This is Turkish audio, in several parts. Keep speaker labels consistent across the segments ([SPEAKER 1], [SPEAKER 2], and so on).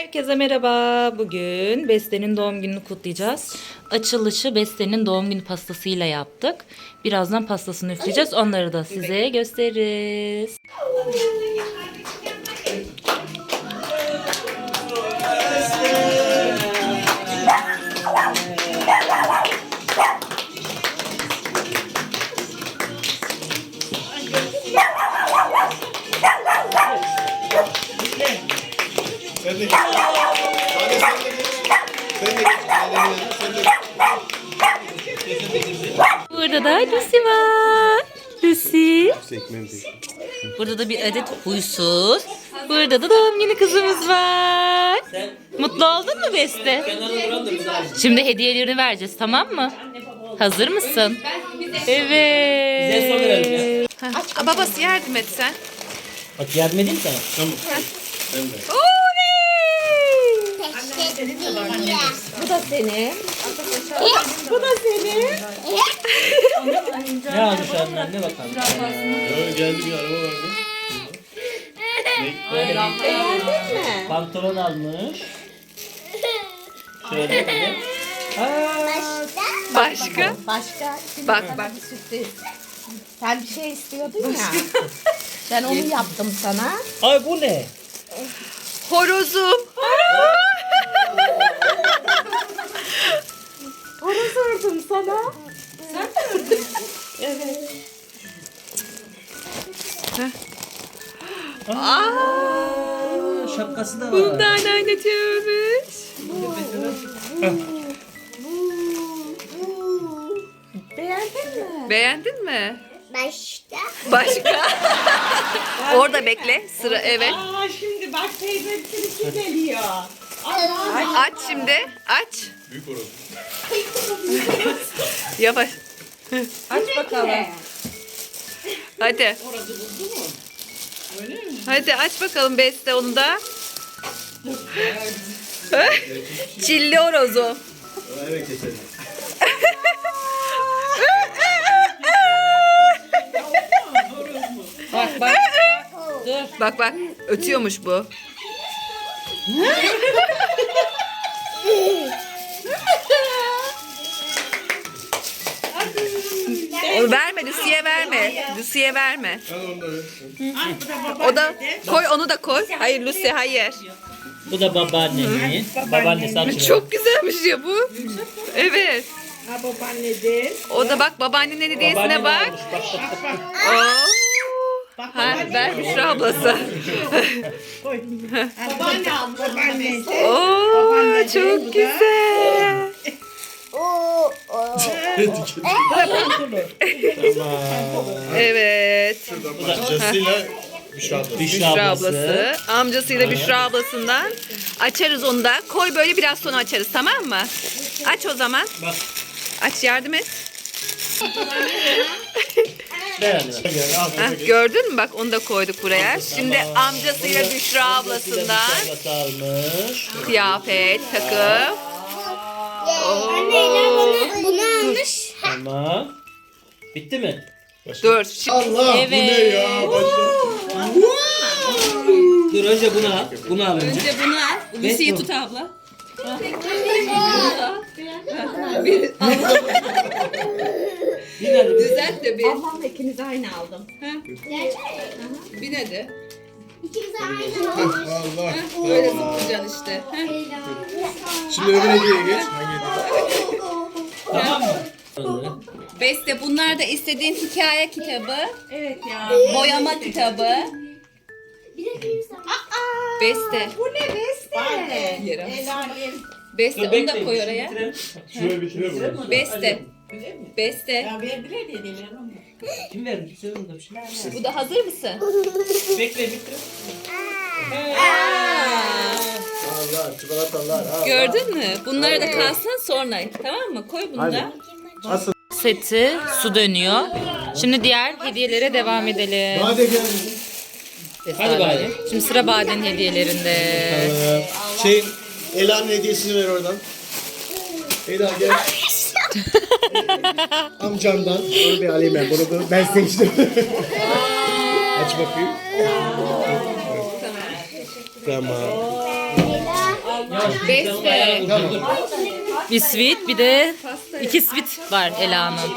[SPEAKER 1] Herkese merhaba. Bugün Beste'nin doğum gününü kutlayacağız. Açılışı Beste'nin doğum günü pastasıyla yaptık. Birazdan pastasını üfleyeceğiz. Onları da size gösteririz.
[SPEAKER 2] Sen de git. Hadi sen de git. Sen de git.
[SPEAKER 1] Burada da Lucy var. Lucy.
[SPEAKER 2] Sekmem değil.
[SPEAKER 1] Burada da bir adet huysuz. Burada da doğum günü kızımız var. Mutlu oldun mu Beste? Şimdi hediyelerini vereceğiz, tamam mı? Hazır mısın? Evet.
[SPEAKER 3] Babası yardım et sen.
[SPEAKER 4] Bak yardım edeyim sana.
[SPEAKER 2] Tamam. Ben de.
[SPEAKER 3] Bu da senin.
[SPEAKER 4] Ne almış annen ne bakalım.
[SPEAKER 2] Geldi bir araba vardı.
[SPEAKER 4] Pantolon almış. Şöyle bir.
[SPEAKER 3] Başka?
[SPEAKER 5] Başka
[SPEAKER 3] Bak.
[SPEAKER 5] bir sürpriz. Sen bir şey istiyordun ya. Ben onu yaptım sana.
[SPEAKER 4] Ay bu ne?
[SPEAKER 3] Horozum.
[SPEAKER 5] Horoz ördüm sana.
[SPEAKER 4] Şapkası da var.
[SPEAKER 3] Bundan oynatıyormuş.
[SPEAKER 5] Beğendin mi?
[SPEAKER 3] Beğendin mi?
[SPEAKER 6] Başta.
[SPEAKER 3] Başka? Orada bekle. Sıra evet.
[SPEAKER 5] Aa şimdi bak teyze kim geliyor.
[SPEAKER 3] Aç şimdi. Aç.
[SPEAKER 2] Büyük horoz.
[SPEAKER 3] Yavaş.
[SPEAKER 5] Aç bakalım.
[SPEAKER 3] Hadi. Hadi aç bakalım Beste onu da. Çilli horozu.
[SPEAKER 2] Evet keselim.
[SPEAKER 3] Bak ötüyormuş bu. Onu verme Lucy'ye verme. Lucy'ye verme.
[SPEAKER 2] Al onu da ver.
[SPEAKER 3] O da koy, onu da koy. Hayır Lucy hayır.
[SPEAKER 4] Bu da babaannenin. Babaannesi açıyor.
[SPEAKER 3] Çok güzelmiş ya bu. Evet.
[SPEAKER 5] Ha babaannedir.
[SPEAKER 3] O da bak babaannenin hediyesine bak.
[SPEAKER 4] almış, bak.
[SPEAKER 3] Oo. Ha, ver Büşra ablası.
[SPEAKER 5] Babaanne almış. Babaannesi.
[SPEAKER 3] Oo, çok güzel. Evet.
[SPEAKER 2] Amcasıyla Büşra abla.
[SPEAKER 3] Büşra ablası. Amcasıyla Büşra ablasından. Açarız onu da. Koy böyle biraz sonra açarız, tamam mı? Aç o zaman.
[SPEAKER 4] Bak.
[SPEAKER 3] Aç, yardım et.
[SPEAKER 4] Ver anne bak.
[SPEAKER 3] Heh, gördün mü? Bak onu da koyduk buraya. Şimdi amcasıyla Büşra ablasından
[SPEAKER 4] Şapkası almış.
[SPEAKER 3] kıyafet, takım.
[SPEAKER 6] Anneler bunu almış.
[SPEAKER 4] Tamam. Bitti mi?
[SPEAKER 3] Dur. Şimdi
[SPEAKER 2] Allah bu ne ya?
[SPEAKER 4] Dur önce bunu al. Bunu al önce.
[SPEAKER 3] önce bunu al. Lucy'yi tut abla.
[SPEAKER 4] Bir hadi.
[SPEAKER 3] Düzelt de bir.
[SPEAKER 5] Ablamla ikiniz aynı aldım.
[SPEAKER 3] Bir hadi.
[SPEAKER 6] İkimiz aynı.
[SPEAKER 2] Allah.
[SPEAKER 3] Böyle zıplayacaksın işte.
[SPEAKER 2] Şimdi öbür hediyeye geç. Hangi hediye?
[SPEAKER 4] Tamam mı?
[SPEAKER 3] Beste, bunlar da istediğin hikaye kitabı,
[SPEAKER 5] Evet ya.
[SPEAKER 3] boyama kitabı.
[SPEAKER 6] Bir de benim sana.
[SPEAKER 3] Beste.
[SPEAKER 5] Bu ne Beste?
[SPEAKER 3] Yere.
[SPEAKER 5] El alem.
[SPEAKER 3] Beste, onu da koy oraya.
[SPEAKER 2] Şuraya bitirelim mi?
[SPEAKER 3] Beste. Beste.
[SPEAKER 5] Ya verdiler dediler onu.
[SPEAKER 4] Kim verdi? Sen onda bir şey.
[SPEAKER 3] Bu da hazır mısın?
[SPEAKER 4] Bekle bitirelim.
[SPEAKER 2] Allah çikolatalar. al.
[SPEAKER 3] Gördün mü? Bunları da kalsın sonra. Tamam mı? Koy bunu da.
[SPEAKER 2] Asıl.
[SPEAKER 1] Seti, su dönüyor. Şimdi diğer hediyelere devam edelim.
[SPEAKER 2] Hadi gel.
[SPEAKER 4] Hadi bari.
[SPEAKER 1] Şimdi sıra Bade'nin hediyelerinde.
[SPEAKER 2] Ela'nın hediyesini ver oradan. Ela gel. Amcamdan. Onu bir alayım ben. Bunu ben seçtim. Aç bakayım. Tamam.
[SPEAKER 3] Beste.
[SPEAKER 1] Bir sweet bir de 2 sweet var Ela'nın.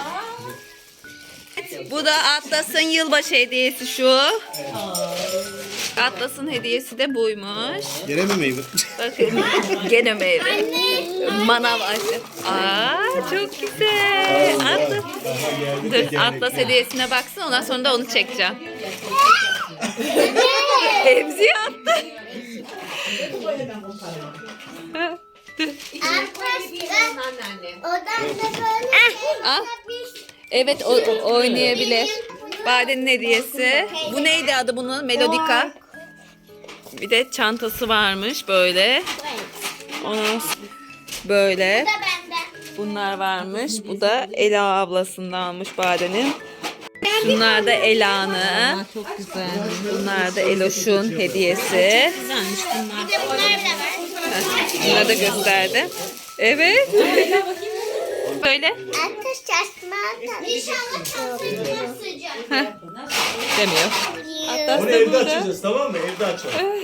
[SPEAKER 3] Bu da Atlas'ın yılbaşı hediyesi şu. Atlas'ın hediyesi de buymuş.
[SPEAKER 2] Gene mi meyve?
[SPEAKER 3] Bakın gene meyve. Manav açı. Aa çok güzel. Atlas. Dur Atlas hediyesine baksın ondan sonra da onu çekeceğim. Emziği attı.
[SPEAKER 6] Odamda böyle
[SPEAKER 3] Al. Evet oynayabilir. Bade'nin hediyesi. Bu neydi adı bunun? Melodika. Bir de çantası varmış böyle. Onun böyle.
[SPEAKER 6] da bende.
[SPEAKER 3] Bunlar varmış. Bu da Ela ablasından almış Bade'nin. Bunlar da Ela'nın.
[SPEAKER 1] Çok güzel.
[SPEAKER 3] Bunlar da Eloş'un hediyesi.
[SPEAKER 1] Güzelmiş bunlar.
[SPEAKER 6] Bir de bunlar da var.
[SPEAKER 3] Bunları da gösterdi. Evet. Böyle
[SPEAKER 6] Ateş çarpma. İnşallah çarpma sıcak.
[SPEAKER 3] demiyor. Atlas
[SPEAKER 2] Onu
[SPEAKER 3] da
[SPEAKER 2] evde
[SPEAKER 3] burada.
[SPEAKER 2] açacağız tamam mı? Evde açalım.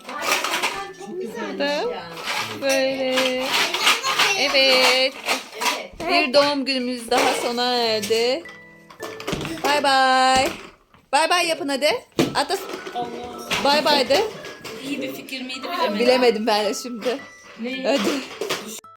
[SPEAKER 3] Da böyle. Evet. Bir doğum günümüz daha sona erdi. Bay bay. Bay bay yapın hadi. Atlas. Bay bay de.
[SPEAKER 1] İyi bir fikir miydi bilemedim.
[SPEAKER 3] Bilemedim ben de şimdi. Hadi.